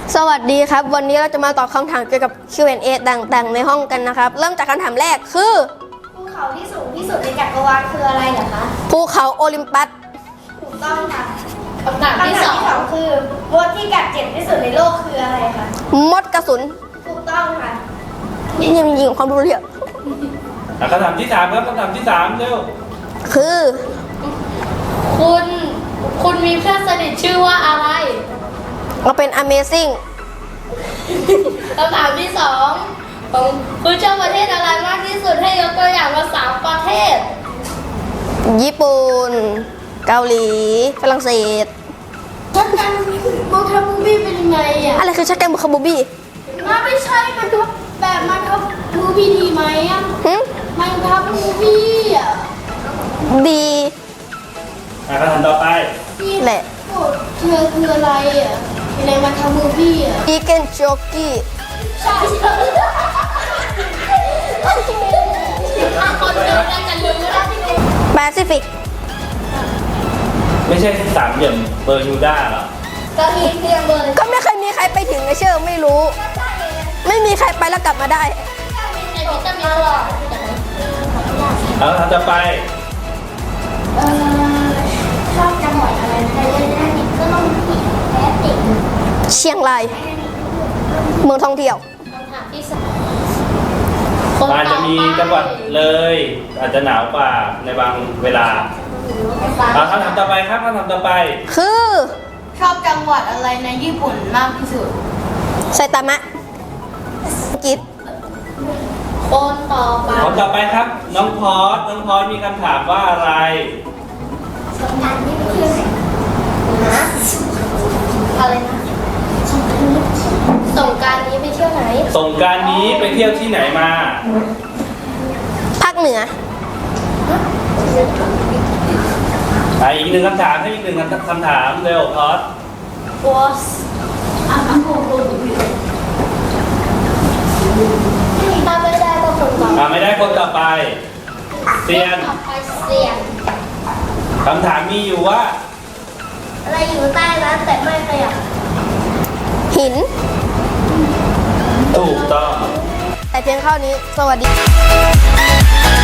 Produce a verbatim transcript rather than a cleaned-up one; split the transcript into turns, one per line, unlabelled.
สวัสดีครับวันนี้เราจะมาตอบคำถามเกี่ยวกับ คิว แอนด์ เอ ต่างๆในห้องกันนะครับเริ่มจากคำถามแรกคือ
ภูเขาที่สูงที่สุดในจักรวาลคืออะไรเหรอคะ
ภูเขาโอลิมปัส
ถูกต้องค่ะคำถามที่สองคือมดที่กัดเจ็บที่สุดในโลกคืออะไรคะ
มดกระสุน
ถูกต้องค่ะ
นี่ยังยิงความรู้เรื่อง
คำถามที่สามครับคำถามที่สามเร็ว
คือ
คุณคุณมีเพื่อนสนิทชื่อว่าอะไร
เราเป็น Amazing
คำถามที่สองคุณชอบประเทศอะไรมากที่สุดให้ยกตัวอย่างมาสามประเทศ
ญี่ปุ่นเกาหลีฝรั่งเศส
ชักกันมองทับมูบี้เป็นยังไงอ่ะ
อะไรคือชักกันบุคบูบี้
มันไม่ใช่มันทับแบบมันทับมูบี้ดีไหมอ่ะมันทับมูบี้อ่ะ
ดี
คำถามต่อไป
แหละ
เธอคืออะไรอ่ะในมันทับมูบี้อ่ะ
อีเกนโจกี้
ใช่ใช่ถ้าคนเดินได้กันลืมแล้ว
แปซิฟิก
ไม่ใช่สามเหลี่ยมเบอร์มิวดาหรอ
ก็มีเพียงเบอร์
ก็ไม่เคยมีใครไปถึงไอเชื่อไม่รู้ไม่มีใครไปแล้วกลับมาได้
ในวิตามินหรอ
เอาคำถามต่อไป
เอ่อชอบจังหวัดอะไรในเรื่องนี้ก็ต้องผิดแพ้ติ่ง
เชียงรายเมืองท่องเที่ยว
คำถามที่สอง
อาจจะมีจังหวัดเลยอาจจะหนาวกว่าในบางเวลาเอาคำถามต่อไปครับคำถามต่อไป
คือ
ชอบจังหวัดอะไรในญี่ปุ่นมากที่สุด
ไซตามะอังกฤษ
คนต่อไป
คนต่อไปครับน้องพอสน้องพอสมีคำถามว่าอะไร
สงกรานต์นี่ไปเที่ยวไหนนะอะไรนะ
สงกรานต์นี้ไปเที่ยวไหน
สงกรานต์นี้ไปเที่ยวที่ไหนมา
ภาคเหนือ
อ่ะอีกหนึ่งคำถามให้อีกหนึ่งคำถามเร็วพอส
was อ่ะคำพูดถ้าไม่ได้ก็คนต่อไป
ไม่ได้คนต่อไปเซียน
เซียน
คำถามมีอยู่ว่า
อะไรอยู่ใต้น้ำแต่ไม่ขยับ
หิน
ถูกต้อง
แต่เพียงเท่านี้สวัสดี